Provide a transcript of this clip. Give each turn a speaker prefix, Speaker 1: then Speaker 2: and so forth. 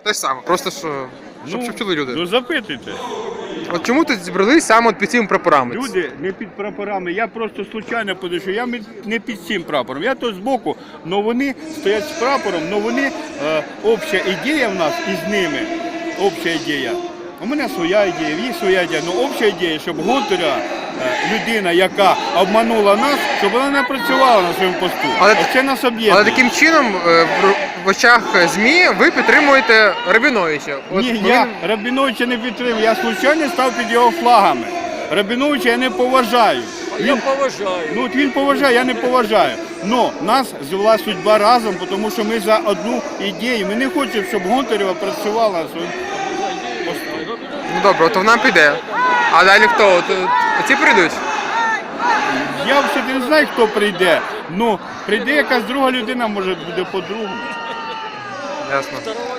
Speaker 1: Те ж саме. Просто що, щоб чули люди.
Speaker 2: Ну запитуйте.
Speaker 1: От чому тут зібрались саме під цими прапорами?
Speaker 2: Люди не під прапорами, я просто случайно подійшов, я не під цим прапором, я тут збоку, але вони стоять з прапором, але вони, обща ідея в нас із ними, обща ідея. У мене своя ідея, в їх своя ідея, але обща ідея, щоб Гонтаря, людина, яка обманула нас, щоб вона не працювала на своєму посту. Це нас об'єднує.
Speaker 1: Але таким чином в очах ЗМІ ви підтримуєте Рабіновича.
Speaker 2: Ні, я Рабіновича не підтримую, я случайно став під його флагами. Рабіновича я не поважаю.
Speaker 3: Я поважаю.
Speaker 2: Ну от він поважає, я не поважаю. Но нас звела судьба разом, тому що ми за одну ідею. Ми не хочемо, щоб Гонтарева працювала на своєму посту.
Speaker 1: Ну добре, то вона піде. А далі хто? Оці прийдуть?
Speaker 2: Я взагалі не знаю, хто прийде. Ну, прийде якась друга людина, може буде по-другому.
Speaker 1: Ясно.